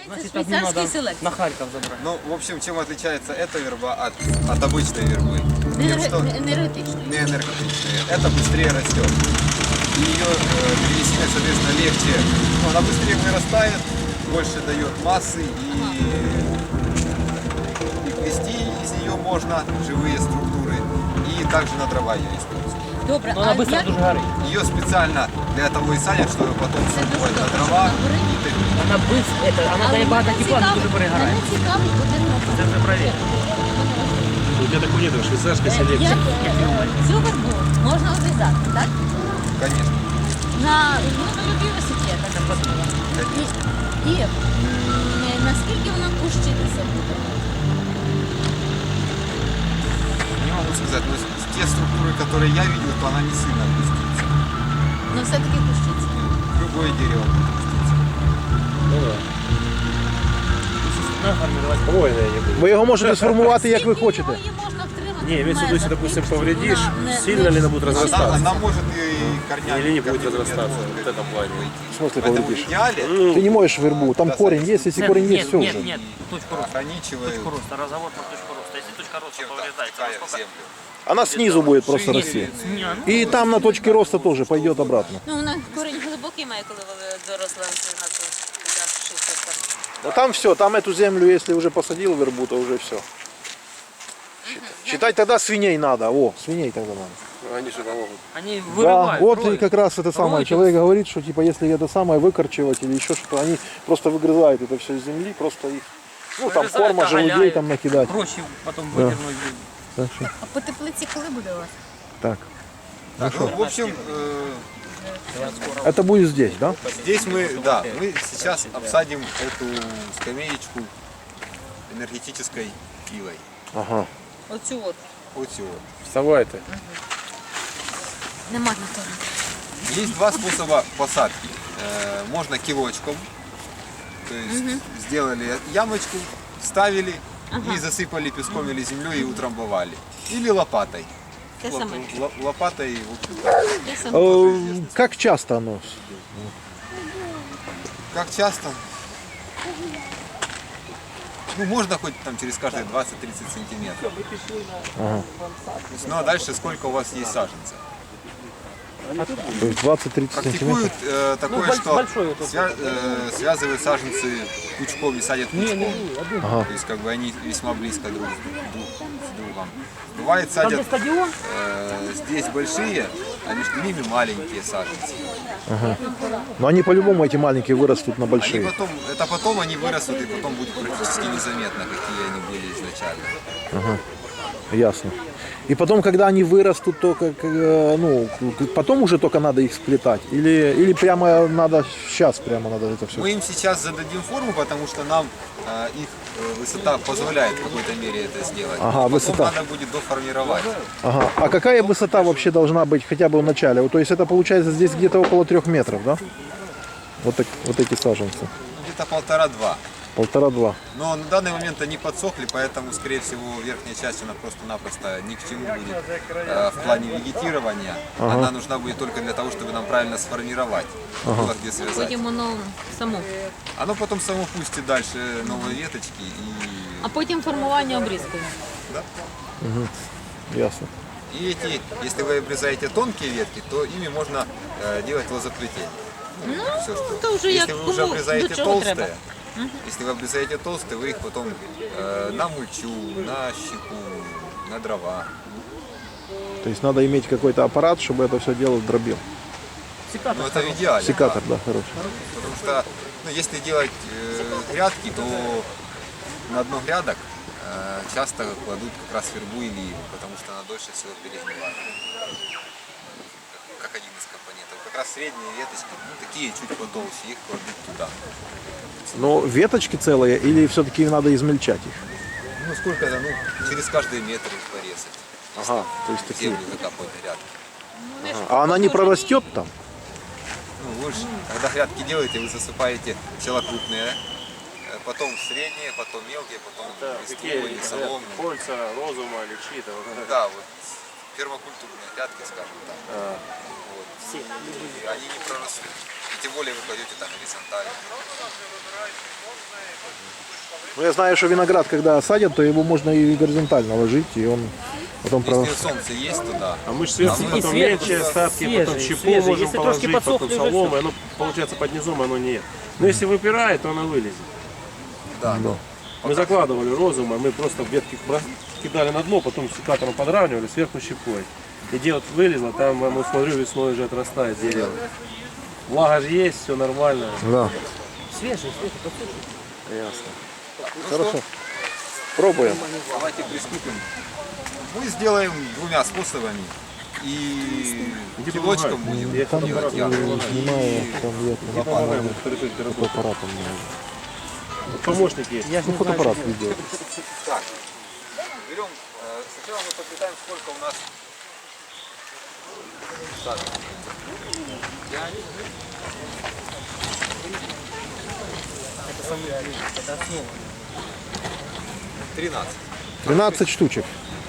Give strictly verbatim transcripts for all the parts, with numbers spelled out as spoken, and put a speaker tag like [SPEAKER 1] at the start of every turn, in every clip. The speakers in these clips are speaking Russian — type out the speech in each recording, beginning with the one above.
[SPEAKER 1] Значит, швейцарский селект.
[SPEAKER 2] На Харьков забрать.
[SPEAKER 3] Ну, в общем, чем отличается эта верба от, от обычной вербы? Тем, что
[SPEAKER 1] Энергетичний.
[SPEAKER 3] не энергетичная. Это быстрее растет. И ее э, древесина, соответственно, легче. Ну, она быстрее вырастает, больше дает массы и, и плести из нее можно живые структуры. И также на дрова ее используют.
[SPEAKER 1] Добре,
[SPEAKER 2] Но она
[SPEAKER 1] а
[SPEAKER 2] быстро
[SPEAKER 1] як...
[SPEAKER 2] дуже горить.
[SPEAKER 3] Ее специально для того и садят, чтобы потом
[SPEAKER 1] Це дуже
[SPEAKER 3] садить на
[SPEAKER 1] добре,
[SPEAKER 3] дрова.
[SPEAKER 1] що вона горить.
[SPEAKER 3] И топить.
[SPEAKER 2] Вона быстро, это, вона дає багато тепла, але дуже перегорає.
[SPEAKER 1] Мене цікавить один вопрос.
[SPEAKER 2] Це вже перевірено.
[SPEAKER 4] У тебя такого нет, швейцарская
[SPEAKER 1] Як
[SPEAKER 4] селекция.
[SPEAKER 1] цю вербу можна обрізати, так?
[SPEAKER 3] Конечно.
[SPEAKER 1] На, ну, на любі висоті, я так розумію. І, і е, наскільки вона кущитися буде?
[SPEAKER 3] Не могу сказать, но те структуры, которые я видел, то она не сильно опустится.
[SPEAKER 1] Ну все-таки кущиться.
[SPEAKER 3] Любое дерево будет опуститься.
[SPEAKER 4] Ну да.
[SPEAKER 2] Надо формировать.
[SPEAKER 4] Хвойная не будет.
[SPEAKER 5] Ви його можете сформувати, як ви
[SPEAKER 1] Скільки
[SPEAKER 5] хочете.
[SPEAKER 1] його її можна втримати?
[SPEAKER 4] Не, имеется в виду, если,
[SPEAKER 1] межах?
[SPEAKER 4] допустим,
[SPEAKER 1] Якщо
[SPEAKER 4] повредишь,
[SPEAKER 1] вона не-
[SPEAKER 4] сильно
[SPEAKER 1] не-
[SPEAKER 4] ли она будет
[SPEAKER 1] не
[SPEAKER 3] Она,
[SPEAKER 4] разрастаться?
[SPEAKER 3] она может и корнями.
[SPEAKER 4] Или не будет
[SPEAKER 3] корнями
[SPEAKER 4] разрастаться,
[SPEAKER 3] вверх
[SPEAKER 4] вот в этом плане.
[SPEAKER 3] пойти.
[SPEAKER 5] В смысле
[SPEAKER 3] Поэтому
[SPEAKER 5] повредишь?
[SPEAKER 3] в идеале
[SPEAKER 5] Ты не моешь вербу, там корень есть, если
[SPEAKER 2] Нет,
[SPEAKER 5] корень
[SPEAKER 2] нет,
[SPEAKER 5] есть, все
[SPEAKER 2] нет,
[SPEAKER 5] уже.
[SPEAKER 2] нет, точку роста.
[SPEAKER 3] ограничивает
[SPEAKER 2] Точку роста, разговор про точку роста. Если точка роста
[SPEAKER 3] чем-то
[SPEAKER 2] повреждается,
[SPEAKER 3] втекая в
[SPEAKER 2] насколько...
[SPEAKER 3] землю.
[SPEAKER 5] Она снизу будет просто
[SPEAKER 3] Шире,
[SPEAKER 5] расти.
[SPEAKER 2] Не, ну,
[SPEAKER 5] И там на точке роста тоже пойдет обратно.
[SPEAKER 1] Ну, вона корінь глибокий має, коли ви доросла на ту шістдесят там.
[SPEAKER 5] Но там все, там эту землю, если уже посадил вербу, то уже все. Считать тогда свиней надо. О, свиней тогда надо.
[SPEAKER 4] Они же помогут.
[SPEAKER 2] они
[SPEAKER 5] Да,
[SPEAKER 2] вырывают.
[SPEAKER 5] вот и
[SPEAKER 2] роют.
[SPEAKER 5] как раз это самое.
[SPEAKER 2] Роют.
[SPEAKER 5] Человек говорит, что типа если это самое выкорчевать или еще что-то, они просто выгрызают это все из земли, просто их, ну там
[SPEAKER 2] Вырезают,
[SPEAKER 5] корма, желудей
[SPEAKER 2] оголяют.
[SPEAKER 5] там накидать.
[SPEAKER 2] Проще потом
[SPEAKER 5] Да.
[SPEAKER 2] выдернуть.
[SPEAKER 5] Так что,
[SPEAKER 1] А по теплиці коли буде у вас?
[SPEAKER 5] так.
[SPEAKER 3] Так, ну, в общем, э,
[SPEAKER 5] Это будет здесь, да?
[SPEAKER 3] здесь мы, да, мы сейчас обсадим эту скамеечку энергетической пилой.
[SPEAKER 5] Ага.
[SPEAKER 1] Оцю от.
[SPEAKER 3] Вот всего.
[SPEAKER 4] Вставай ты.
[SPEAKER 1] Нема на то.
[SPEAKER 3] Есть два способа посадки. Э, можно килочком, то есть сделали ямочку, вставили и засыпали песком или землей и утрамбовали. Или лопатой.
[SPEAKER 1] Те
[SPEAKER 3] Лоп-
[SPEAKER 1] саме.
[SPEAKER 3] ло- лопатой, в общем,
[SPEAKER 1] Те саме.
[SPEAKER 5] Э, Как часто оно?
[SPEAKER 3] как часто? Ну, можно хоть там через каждые двадцать-тридцать сантиметров.
[SPEAKER 5] Ага.
[SPEAKER 3] То есть, ну а дальше сколько у вас есть саженцев?
[SPEAKER 5] То есть двадцать-тридцать
[SPEAKER 3] Практикуют
[SPEAKER 5] сантиметров?
[SPEAKER 3] э, такое,
[SPEAKER 2] Ну, боль-
[SPEAKER 3] что
[SPEAKER 2] большой вот этот.
[SPEAKER 3] свя- э, связывают саженцы пучком и садят пучком.
[SPEAKER 5] Ага.
[SPEAKER 3] То есть как бы они весьма близко друг, друг с другом. Бывает
[SPEAKER 2] Там где
[SPEAKER 3] садят
[SPEAKER 2] стадион,
[SPEAKER 3] э, здесь большие, а между ними маленькие саженцы.
[SPEAKER 5] Но они по-любому, эти маленькие, вырастут на
[SPEAKER 3] Они
[SPEAKER 5] большие.
[SPEAKER 3] потом, это потом они вырастут и потом будет практически незаметно, какие они были изначально.
[SPEAKER 5] Ясно. И потом, когда они вырастут, то как, э, ну, потом уже только надо их сплетать? Или, или прямо надо, сейчас прямо надо это все?
[SPEAKER 3] Мы им сейчас зададим форму, потому что нам э, их э, высота позволяет в какой-то мере это сделать.
[SPEAKER 5] Ага,
[SPEAKER 3] Потом
[SPEAKER 5] высота.
[SPEAKER 3] надо будет доформировать.
[SPEAKER 5] Ага. А какая высота вообще должна быть хотя бы в начале? Вот, то есть это получается здесь где-то около трех метров, да? Вот, так, вот эти саженцы.
[SPEAKER 3] Где-то полтора-два.
[SPEAKER 5] Полтора-два.
[SPEAKER 3] Но на данный момент они подсохли, поэтому, скорее всего, верхняя часть она просто-напросто ни к чему будет э, в плане вегетирования. Она нужна будет только для того, чтобы нам правильно сформировать, было где связать.
[SPEAKER 1] Потім воно само.
[SPEAKER 3] Оно потом само пустит дальше новые веточки и,
[SPEAKER 1] А потім формування обрізкою.
[SPEAKER 3] да?
[SPEAKER 5] Ясно.
[SPEAKER 3] И эти, если вы обрезаете тонкие ветки, то ими можно э, делать лозоплетение.
[SPEAKER 1] Ну,
[SPEAKER 3] Всё, что-
[SPEAKER 1] то вже як
[SPEAKER 3] если вы уже
[SPEAKER 1] кому
[SPEAKER 3] обрезаете
[SPEAKER 1] до чого треба.
[SPEAKER 3] толстые, если вы обрезаете толстые, вы их потом э, на мульчу, на щепу, на дрова.
[SPEAKER 5] То есть надо иметь какой-то аппарат, чтобы это все дело дробил.
[SPEAKER 3] Ну это в идеале.
[SPEAKER 5] Секатор,
[SPEAKER 3] да.
[SPEAKER 5] да, хороший.
[SPEAKER 3] Потому что ну, если делать э, грядки, то на дно грядок э, часто кладут как раз вербу или иву, потому что она дольше всего перегнивает. Как один из компонентов. Как раз средние веточки, ну, такие чуть потолще, их кладут туда.
[SPEAKER 5] Но веточки целые или все-таки надо измельчать их?
[SPEAKER 3] Ну сколько это, ну через каждый метр их порезать.
[SPEAKER 5] Ага, то есть
[SPEAKER 3] В
[SPEAKER 5] такие.
[SPEAKER 3] землю закапывать грядки.
[SPEAKER 5] А она не прорастет там?
[SPEAKER 3] Ну, вы же, когда грядки делаете, вы засыпаете сначала крупные, э, потом средние, потом мелкие, потом листовые, соломные.
[SPEAKER 4] Кольца, розума или чьи-то. вот это.
[SPEAKER 3] Да, вот пермакультурные грядки, скажем так. Вот. И они не прорастут. И тем более вы кладете там горизонтально.
[SPEAKER 5] Ну, я знаю, что виноград, когда садят, то его можно и горизонтально ложить, и он потом... про-
[SPEAKER 3] Если солнце есть туда,
[SPEAKER 4] А мы же сверху
[SPEAKER 3] А мы
[SPEAKER 4] потом
[SPEAKER 2] сверху
[SPEAKER 4] мельче остатки,
[SPEAKER 2] свежие,
[SPEAKER 4] потом щепу
[SPEAKER 2] свежие.
[SPEAKER 4] можем
[SPEAKER 2] Если трошки
[SPEAKER 4] положить, потом
[SPEAKER 2] подсохли, уже
[SPEAKER 4] соломы, оно получается под низом оно нет. Но если выпирает, то оно вылезет.
[SPEAKER 3] да, ну,
[SPEAKER 4] Мы закладывали розума, мы просто ветки бра- кидали на дно, потом секатором подравнивали, сверху щепой. И где вот вылезло, там, ну, смотрю, весной уже отрастает дерево. Влага же есть, все нормально.
[SPEAKER 5] Да.
[SPEAKER 2] Свежий, свежий, подсохший.
[SPEAKER 4] Ясно.
[SPEAKER 5] Хорошо. Пробуем.
[SPEAKER 3] давайте приступим. Мы сделаем двумя способами. И
[SPEAKER 4] Иди
[SPEAKER 3] килочком
[SPEAKER 4] помогай.
[SPEAKER 3] будем
[SPEAKER 4] Я
[SPEAKER 5] Там
[SPEAKER 3] делать
[SPEAKER 5] э,
[SPEAKER 3] ярко.
[SPEAKER 5] снимаю, там я
[SPEAKER 4] Помогаем хорошо температуру.
[SPEAKER 5] фотоаппаратом.
[SPEAKER 4] Вот помощник есть.
[SPEAKER 2] Я ж
[SPEAKER 5] Ну,
[SPEAKER 2] не знаю,
[SPEAKER 5] фотоаппарат
[SPEAKER 2] что
[SPEAKER 5] видео.
[SPEAKER 3] Так, берем, э, сначала мы посчитаем, сколько у нас так, пять,
[SPEAKER 2] это самый это основа.
[SPEAKER 3] тринадцать.
[SPEAKER 5] тринадцать штучек.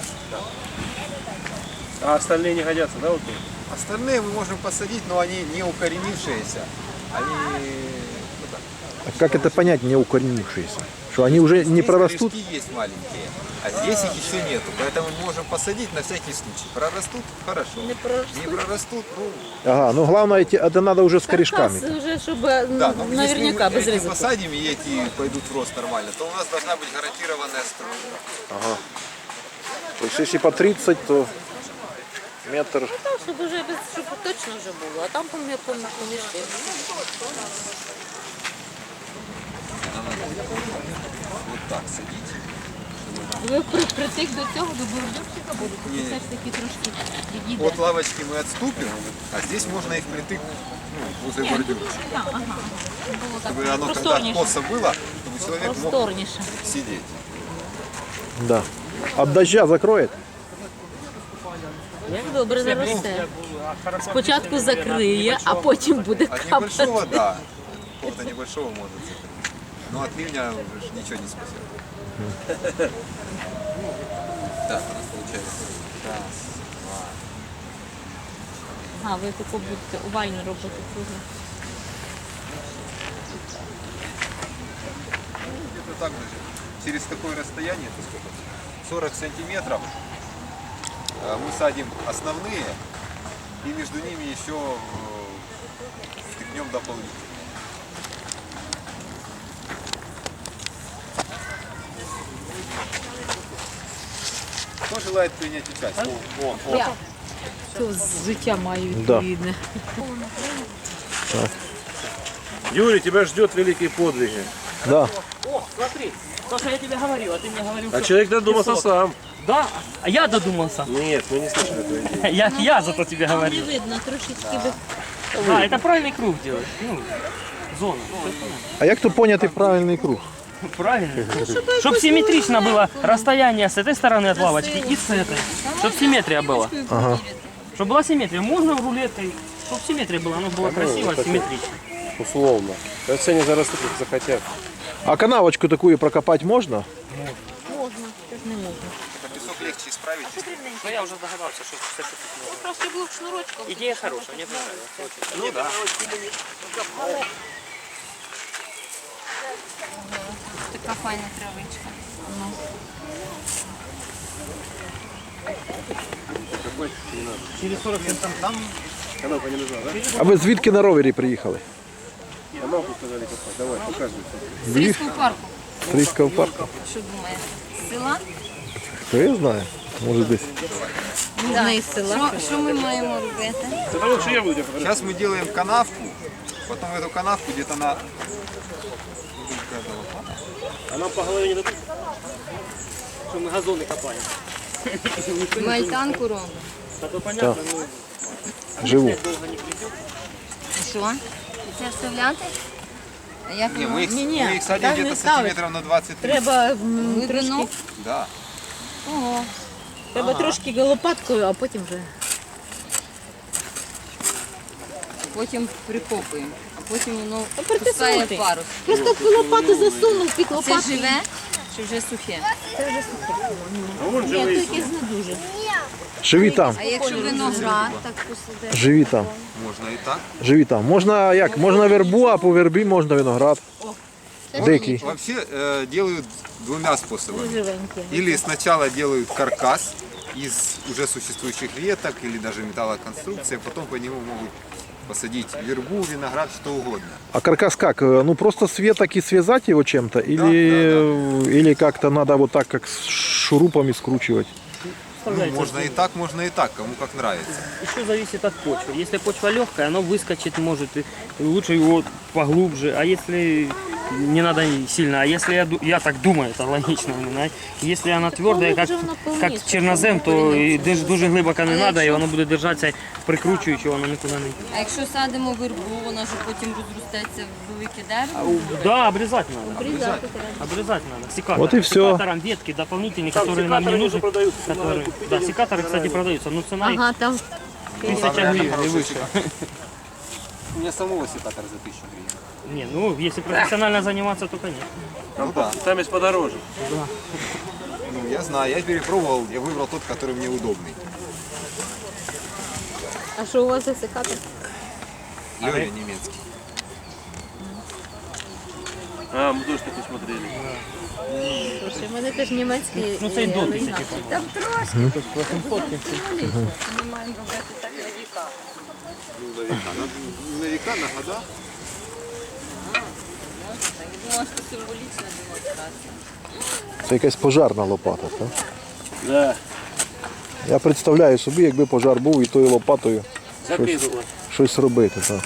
[SPEAKER 4] А остальные не годятся, да, вот тут?
[SPEAKER 3] Остальные мы можем посадить, но они не укоренившиеся. Они ну, так,
[SPEAKER 5] А как это понять, не укоренившиеся? Что они уже не
[SPEAKER 3] здесь
[SPEAKER 5] прорастут?
[SPEAKER 3] корешки есть маленькие, а здесь их еще нету. Поэтому мы можем посадить на всякий случай. Прорастут – хорошо.
[SPEAKER 1] Не прорастут.
[SPEAKER 3] Не прорастут, ну
[SPEAKER 5] Ага, ну главное, эти- это надо уже с корешками.
[SPEAKER 1] Каркас уже, чтобы ну,
[SPEAKER 3] да, но
[SPEAKER 1] наверняка
[SPEAKER 3] если мы
[SPEAKER 1] без
[SPEAKER 3] эти
[SPEAKER 1] ризика.
[SPEAKER 3] посадим и эти пойдут в рост нормально, то у нас должна быть гарантированная струя.
[SPEAKER 5] То есть если по тридцать, то метр.
[SPEAKER 1] Так, щоб уже без, щоб точно вже було, а там помі- помі- помішки.
[SPEAKER 3] Вот так садить.
[SPEAKER 1] Ви при, притик до цього, до бордюрчика будете,
[SPEAKER 3] Ні-ні.
[SPEAKER 1] це все ж таки трошки відійде.
[SPEAKER 3] От лавочки мы отступим, а здесь можно их притык ну, возле бордюрчика.
[SPEAKER 1] Так, ага. Було так
[SPEAKER 3] Чтобы оно когда
[SPEAKER 1] просторніше.
[SPEAKER 3] косо было, чтобы человек мог
[SPEAKER 1] Просторніше.
[SPEAKER 3] сидеть.
[SPEAKER 5] Да. От дождя закроет?
[SPEAKER 1] Як добре заросте. Спочатку закриє, а потім буде
[SPEAKER 3] От небольшого,
[SPEAKER 1] капати.
[SPEAKER 3] да. Какого-то небольшого может закрыть. Но от ливня уже ж ничего не спасет. Так, у нас получается. Раз, два.
[SPEAKER 1] А, ви таку будете овальну робити кругу.
[SPEAKER 3] Где-то так же. Через такое расстояние, это сколько? сорок сантиметров. э, Мы садим основные и между ними еще э, втыкнем дополнительно. Кто желает принять участие?
[SPEAKER 1] Я. Що з життя маю
[SPEAKER 5] Да.
[SPEAKER 1] відповідне.
[SPEAKER 4] Юрий, тебя ждет великие подвиги.
[SPEAKER 5] Да.
[SPEAKER 2] О, смотри, то, что я тебе говорил, а ты мне говорил,
[SPEAKER 4] А
[SPEAKER 2] что
[SPEAKER 4] человек додумался
[SPEAKER 2] песок.
[SPEAKER 4] сам.
[SPEAKER 2] Да, а я додумался.
[SPEAKER 4] Нет, мы не слышали эту идею.
[SPEAKER 2] Я, я зато тебе
[SPEAKER 1] Не
[SPEAKER 2] говорил.
[SPEAKER 1] видно, трошечки би.
[SPEAKER 2] Да, это правильный круг делать. Ну, зона.
[SPEAKER 5] А як то поняти правильний круг?
[SPEAKER 2] Правильно. Чтобы симметрично было расстояние с этой стороны от лавочки и с этой. Чтобы симметрия была. Чтобы была симметрия. Можно рулеткой. Чтобы симметрия была, оно было красиво, симметрично.
[SPEAKER 4] Условно. А все они зарастут, как захотят.
[SPEAKER 5] А канавочку такую прокопать можно?
[SPEAKER 1] Можна, теж не можна.
[SPEAKER 3] Это песок легче исправить.
[SPEAKER 2] Ну я уже догадался, что все
[SPEAKER 1] Трошки було б шнурочком.
[SPEAKER 2] идея хорошая, мне понравилась. Ну да.
[SPEAKER 1] Така файна травичка.
[SPEAKER 2] Через сорок минут там.
[SPEAKER 4] Канавка не нужна, да?
[SPEAKER 5] А ви звідки на ровері приїхали?
[SPEAKER 4] Канавку сказали копать. Давай, показывай.
[SPEAKER 1] З Різького парку.
[SPEAKER 5] З Ризького парку?
[SPEAKER 1] Що думає? З села?
[SPEAKER 5] Хто я знаю? Може десь.
[SPEAKER 1] Можна із села. Що ми маємо робити?
[SPEAKER 4] Это лучше я буду.
[SPEAKER 3] Сейчас мы делаем канавку, потом эту канавку где-то на...
[SPEAKER 2] А нам по голове не дадут? Что мы газоны копаем.
[SPEAKER 1] Мальтанку робимо.
[SPEAKER 2] А то понятно, ну,
[SPEAKER 5] Живу.
[SPEAKER 2] долго не придет.
[SPEAKER 1] Що? Це вставляти? А як
[SPEAKER 3] Не, мы их,
[SPEAKER 1] Ні-ні,
[SPEAKER 3] мы их садим
[SPEAKER 1] так не
[SPEAKER 3] где-то
[SPEAKER 1] ставить.
[SPEAKER 3] сантиметров на двадцать тридцать.
[SPEAKER 1] Треба м, трошки,
[SPEAKER 3] Да.
[SPEAKER 1] Ого. Треба трошки лопаткою, а потім вже.
[SPEAKER 6] Потім прикопуємо, а потім воно
[SPEAKER 1] Тепер
[SPEAKER 6] пускає
[SPEAKER 1] тиснути.
[SPEAKER 6] парус.
[SPEAKER 1] Просто лопату засунув під
[SPEAKER 6] Це
[SPEAKER 1] лопату.
[SPEAKER 6] живе чи вже сухе?
[SPEAKER 1] Ні, то якесь не дуже.
[SPEAKER 5] Живі там.
[SPEAKER 6] А якщо виноград, так посаде.
[SPEAKER 5] Живі там.
[SPEAKER 3] Можно и так.
[SPEAKER 5] Живі там. Можна як? Можна вербу, а по вербі можна виноград. Дикий.
[SPEAKER 3] Вообще э, делают двумя способами.
[SPEAKER 1] Живенькі.
[SPEAKER 3] Или сначала делают каркас из уже существующих веток или даже металлоконструкции, а потом по нему могут посадить вербу, виноград, что угодно.
[SPEAKER 5] А каркас как? Э, Ну просто с веток и связать его чем-то? Или, или как-то надо вот так, как с шурупами скручивать?
[SPEAKER 3] Ну, можно и так, можно и так, кому как нравится.
[SPEAKER 2] Еще зависит от почвы. Если почва легкая, оно выскочит может. И лучше его поглубже. А если не надо сильно, а если я, ду- я так думаю, это логично. именно. Если она твердая, как, как чернозем, то і дуже, дуже глибоко не треба, і воно буде держатися, прикручуючи, воно нікуди не.
[SPEAKER 6] А якщо садимо вербу, вона ж потім розростеться в велике дерево.
[SPEAKER 2] Да, обрезать надо. Обрезать, обрезать надо. Секатор.
[SPEAKER 5] Вот и всё.
[SPEAKER 2] Секатором ветки дополнительные, которые нам не нужны. Которые, да, секаторы, кстати, продаются. Но цена их
[SPEAKER 1] Ага, там
[SPEAKER 2] тысяча гривен и выше.
[SPEAKER 3] У меня самого секатора за тысячу гривен.
[SPEAKER 2] Не, ну если профессионально заниматься, то конечно.
[SPEAKER 3] Ну да.
[SPEAKER 4] Там есть подороже.
[SPEAKER 3] Ну, я знаю, я перепробовал, я выбрал тот, который мне удобный.
[SPEAKER 1] А що у вас за секатор?
[SPEAKER 3] Лёля немецкий.
[SPEAKER 4] А, мы тоже таки смотрели.
[SPEAKER 1] Слушай, у мене теж німецький.
[SPEAKER 2] Ну це й до тисячі.
[SPEAKER 6] Там трошки. Ми маємо робити так на віка.
[SPEAKER 3] Ну, на века. На, на века, на года.
[SPEAKER 6] Я думала, що символічна демонстрація.
[SPEAKER 5] Це якась пожарна лопата, так?
[SPEAKER 4] Да.
[SPEAKER 5] Я представляю собі, якби пожар був і тою лопатою
[SPEAKER 4] Закидывала.
[SPEAKER 5] щось робити. Так.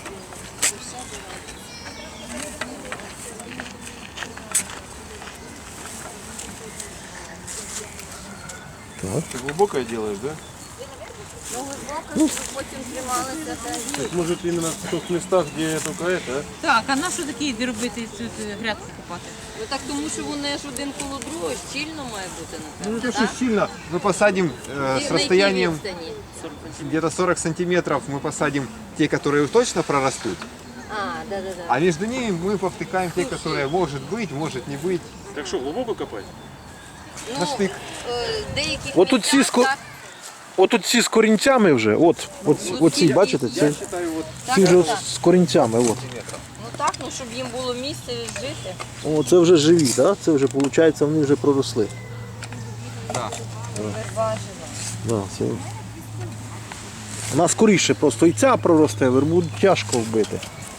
[SPEAKER 4] Ты глубокое делаешь, да?
[SPEAKER 6] Ну, щоб потім трималися. та-
[SPEAKER 4] Может именно в тех местах, где только это, а?
[SPEAKER 7] Так, а на що такі робити тут е, грядку копати?
[SPEAKER 6] Ну так тому що вони ж один коло другого, щільно має бути,
[SPEAKER 3] Ну,
[SPEAKER 6] напевно,
[SPEAKER 3] это
[SPEAKER 6] так?
[SPEAKER 3] же сильно. Мы посадим э,
[SPEAKER 6] І на
[SPEAKER 3] с
[SPEAKER 6] якій
[SPEAKER 3] расстоянием
[SPEAKER 6] відстані?
[SPEAKER 3] где-то сорок сантиметров, мы посадим те, которые точно прорастут.
[SPEAKER 6] А, да-да-да.
[SPEAKER 3] А между ними мы повтыкаем те, которые может быть, может не быть.
[SPEAKER 4] Так что, глубоко копать?
[SPEAKER 3] На штык.
[SPEAKER 6] е, деяких
[SPEAKER 5] От тут ці
[SPEAKER 6] місцях
[SPEAKER 5] ско-
[SPEAKER 6] так,
[SPEAKER 5] От тут ці з корінцями вже, от, от, оці, бачите, це,
[SPEAKER 3] Считаю, вот
[SPEAKER 6] так,
[SPEAKER 5] ці вже
[SPEAKER 6] так, так.
[SPEAKER 5] з корінцями. От.
[SPEAKER 6] Ну так, ну щоб їм було місце жити.
[SPEAKER 5] О, це вже живі, да? Це вже, виходить, вони вже проросли.
[SPEAKER 3] да.
[SPEAKER 5] Да, це... Вона скоріше просто і ця проросте, вербу тяжко вбити.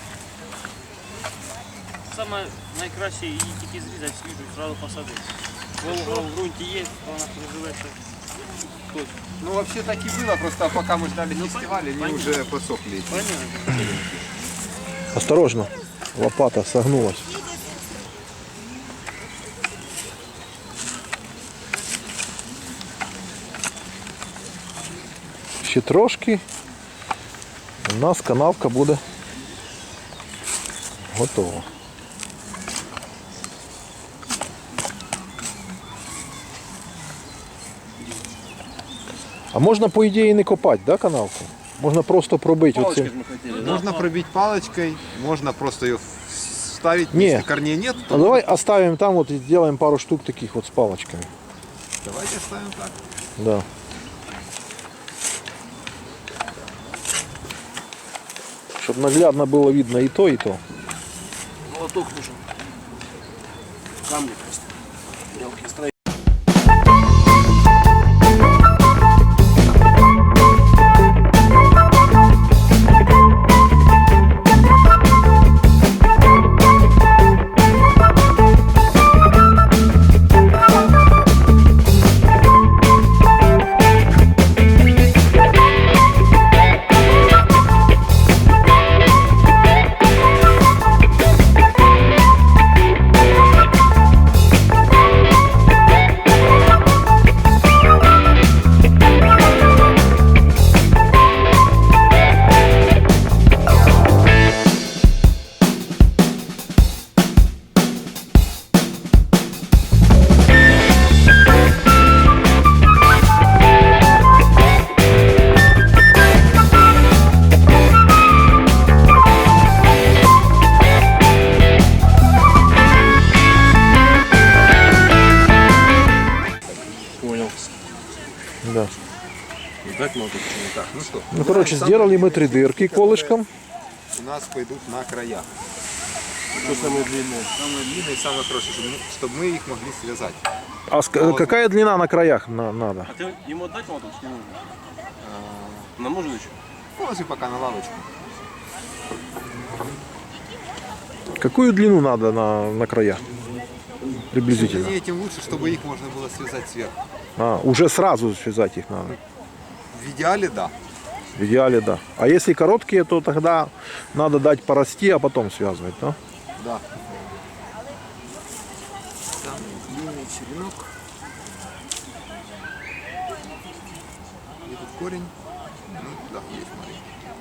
[SPEAKER 2] Саме найкраще її тільки зрізати свіжу і одразу посадити. Волга в ґрунті є, вона проживеться.
[SPEAKER 3] Ну вообще так и было, просто пока мы ждали фестиваля, они уже подсохли.
[SPEAKER 2] Понятно.
[SPEAKER 5] Осторожно, лопата согнулась. Ще трошки. У нас канавка буде готова. А можна, по ідеї, не копати, да, канавку? Можна просто пробити
[SPEAKER 4] Палочкой
[SPEAKER 5] оцим.
[SPEAKER 4] мы хотели.
[SPEAKER 3] Можно пробить палочкой, можно просто ее вставить,
[SPEAKER 5] Не.
[SPEAKER 3] если корней нет, то
[SPEAKER 5] А давай оставим там вот и сделаем пару штук таких вот с палочками.
[SPEAKER 3] давайте оставим так.
[SPEAKER 5] Да. Чтобы наглядно было видно и то, и то.
[SPEAKER 4] Молоток нужен. Камни просто. Мелкие строения. Понял.
[SPEAKER 5] Да.
[SPEAKER 4] Так много.
[SPEAKER 3] Так, ну что,
[SPEAKER 5] Ну, короче, сделали мы три дырки колышком.
[SPEAKER 3] у нас пойдут на края.
[SPEAKER 4] Что самые длинные?
[SPEAKER 3] Самые длинные и самые хорошие, чтобы, чтобы мы их могли связать.
[SPEAKER 5] А ск- какая длина на краях на- надо?
[SPEAKER 4] А ты ему отдать моточку не нужно? Нам нужен еще?
[SPEAKER 3] Положи пока на лавочку.
[SPEAKER 5] Какую длину надо на, на краях? Приблизительно.
[SPEAKER 3] Длиннее, тем лучше, чтобы их можно было связать сверху.
[SPEAKER 5] А, уже сразу связать их надо.
[SPEAKER 3] В идеале, да.
[SPEAKER 5] В идеале, да. А если короткие, то тогда надо дать порасти, а потом связывать, да?
[SPEAKER 3] Да. Самый длинный черенок. Где тут корень? Ну, да, есть, смотри.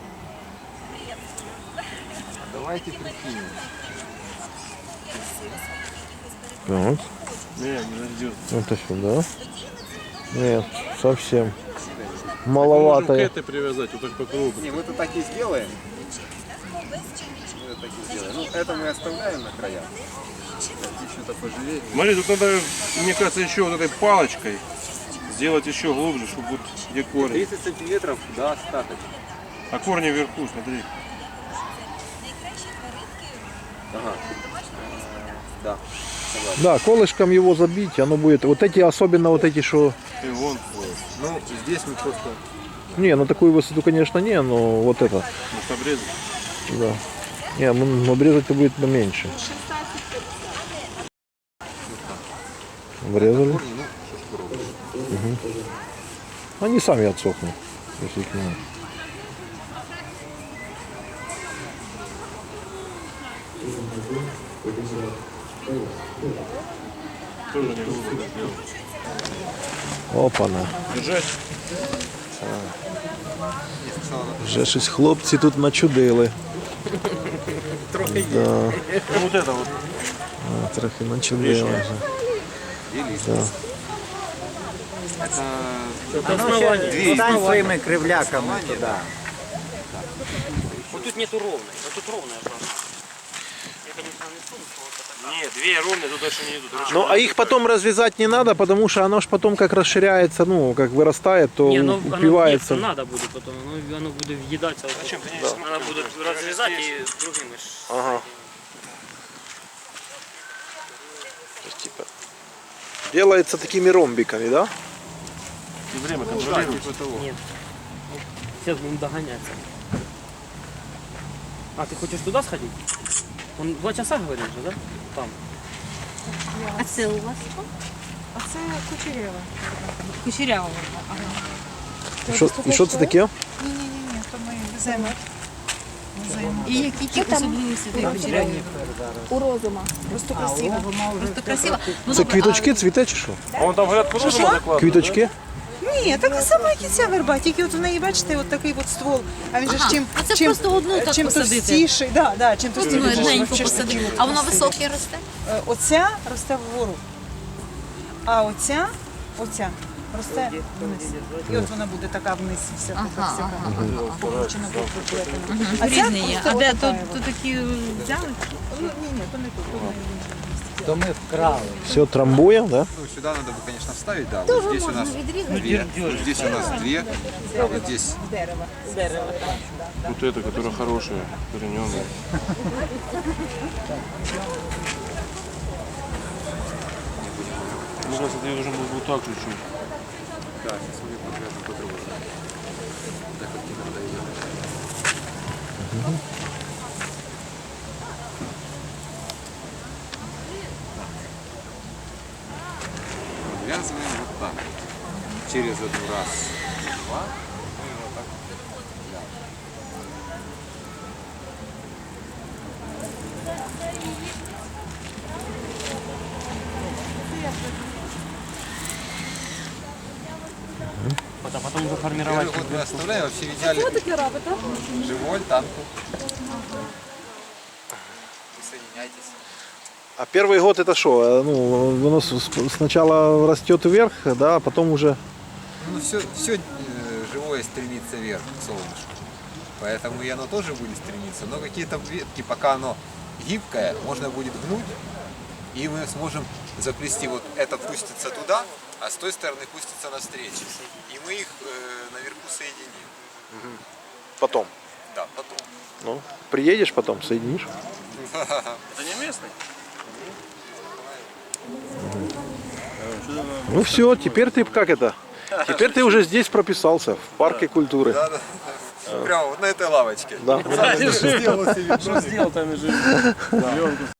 [SPEAKER 3] Давайте прикинем.
[SPEAKER 5] Так,
[SPEAKER 4] Не, не найдет.
[SPEAKER 5] это сюда. Нет, совсем
[SPEAKER 4] Можем к
[SPEAKER 5] маловато.
[SPEAKER 4] этой привязать, вот так по кругу.
[SPEAKER 3] Не, мы это так и сделаем. Мы это так и сделаем. Ну, это мы оставляем на краях. Что-то пожалеть.
[SPEAKER 4] Смотри, тут надо, мне кажется, еще вот этой палочкой сделать еще глубже, чтобы вот где корень.
[SPEAKER 3] тридцать сантиметров, да, остаточно.
[SPEAKER 4] А корни вверху, смотри.
[SPEAKER 3] Ага. Да. Согласен.
[SPEAKER 5] Да, колышком его забить, оно будет. Вот эти, особенно вот эти, что.
[SPEAKER 4] И вон,
[SPEAKER 3] Ну, здесь мы просто...
[SPEAKER 5] Не, на такую высоту, конечно, не, но вот это.
[SPEAKER 4] может обрезать.
[SPEAKER 5] Да. Не, ну, обрезать-то будет поменьше. Обрезали.
[SPEAKER 3] Корни, ну, что ж попробуем.
[SPEAKER 5] Они сами отсохнут, если их не надо.
[SPEAKER 4] Тоже не глубоко сделать.
[SPEAKER 5] Опана.
[SPEAKER 4] Держать.
[SPEAKER 5] Вже щось хлопці тут начудили.
[SPEAKER 2] Трохи
[SPEAKER 5] Да,
[SPEAKER 4] Ну, вот это вот.
[SPEAKER 5] а, трохи начудили вже.
[SPEAKER 3] Две
[SPEAKER 8] Стань своими кривляками туди.
[SPEAKER 2] Вот тут нету ровной, вот тут ровная должна. Я, конечно, не сумку, вот это.
[SPEAKER 4] Нет, две ровные, тут дальше не идут.
[SPEAKER 5] Ну, а их потом развязать не надо, потому что оно ж потом как расширяется, ну, как вырастает, то
[SPEAKER 2] Не, ну
[SPEAKER 5] упивается.
[SPEAKER 2] оно надо будет потом, оно, оно будет въедаться. Зачем? Надо будет разрезать и другими. ж-
[SPEAKER 5] Ага. То есть, типа, делается такими ромбиками, да?
[SPEAKER 4] И время
[SPEAKER 3] Да,
[SPEAKER 4] контролируется.
[SPEAKER 3] типа того.
[SPEAKER 2] Нет. Сейчас будем догоняться. А, ты хочешь туда сходить? Он два часа говорил же, да? Там.
[SPEAKER 6] А це у вас?
[SPEAKER 7] А це кучерява. Кучерява. Ага.
[SPEAKER 5] І що, і що це таке?
[SPEAKER 7] Ні-ні-ні, то ми веземо. Веземо.
[SPEAKER 6] І які ті особливості цієї кучеряви?
[SPEAKER 7] У розума. Просто красиво.
[SPEAKER 6] Просто красиво. Ну,
[SPEAKER 5] Це квіточки, цвіте чи що?
[SPEAKER 4] А вон там, говорят, по розуму закладывают.
[SPEAKER 5] Квіточки?
[SPEAKER 7] Ні, така сама, як і ця верба, тільки от у неї, бачите, от такий от ствол. А він же ж
[SPEAKER 6] Ага.
[SPEAKER 7] чим,
[SPEAKER 6] А це
[SPEAKER 7] чим,
[SPEAKER 6] просто одну так
[SPEAKER 7] чим
[SPEAKER 6] посадити.
[SPEAKER 7] товстіший, да, да, чим
[SPEAKER 6] Просто
[SPEAKER 7] товстіший.
[SPEAKER 6] ну, одненько
[SPEAKER 7] вообще ж
[SPEAKER 6] посадити.
[SPEAKER 7] такі.
[SPEAKER 6] А воно високе росте?
[SPEAKER 7] Е, Оця росте вгору, а оця, оця росте вниз. І от вона буде така вниз, вся така,
[SPEAKER 6] Ага,
[SPEAKER 7] вся
[SPEAKER 6] ага,
[SPEAKER 7] така, покручена, покручена. А ця
[SPEAKER 6] Різні є.
[SPEAKER 7] просто
[SPEAKER 6] А де
[SPEAKER 7] от
[SPEAKER 6] то,
[SPEAKER 7] така
[SPEAKER 6] то
[SPEAKER 7] от.
[SPEAKER 6] такі взяли?
[SPEAKER 7] Ні, ні, то не тут. то не в іншому місці.
[SPEAKER 8] То ми вкрали.
[SPEAKER 5] Все трамбуем, да?
[SPEAKER 3] Ну, сюда надо бы, конечно, вставить, да. Вот здесь у нас две, вот здесь у нас две, а вот здесь
[SPEAKER 7] Дерево. Дерево, так. да.
[SPEAKER 4] Вот эта, которая хорошая, корененая. Мне кажется, ты должен был вот так чуть-чуть.
[SPEAKER 3] да, сейчас мы конкретно по-другому. Так вот не надо ее. Ввязываем вот так. Через один раз, два. Ну и вот так. Да.
[SPEAKER 2] Вот, а потом уже формировать.
[SPEAKER 3] Первый год мы оставляем, вообще в идеале живой, танку. Присоединяйтесь.
[SPEAKER 5] А первый год это что? Ну, оно с- с- сначала растет вверх, да, а потом уже...
[SPEAKER 3] Ну, все, все живое стремится вверх, к солнышку. Поэтому и оно тоже будет стремиться. Но какие-то ветки, пока оно гибкое, можно будет гнуть, и мы сможем заплести. Вот это пустится туда, а с той стороны пустится навстречу. И мы их э, наверху соединим.
[SPEAKER 5] Потом.
[SPEAKER 3] Да, потом.
[SPEAKER 5] Ну, приедешь потом, соединишь.
[SPEAKER 4] Это не местный?
[SPEAKER 5] Ну все, теперь ты как это? Теперь ты уже здесь прописался, в парке культуры.
[SPEAKER 3] Да, да. Прямо вот на этой лавочке.
[SPEAKER 5] Да.
[SPEAKER 4] Что сделал там и живет?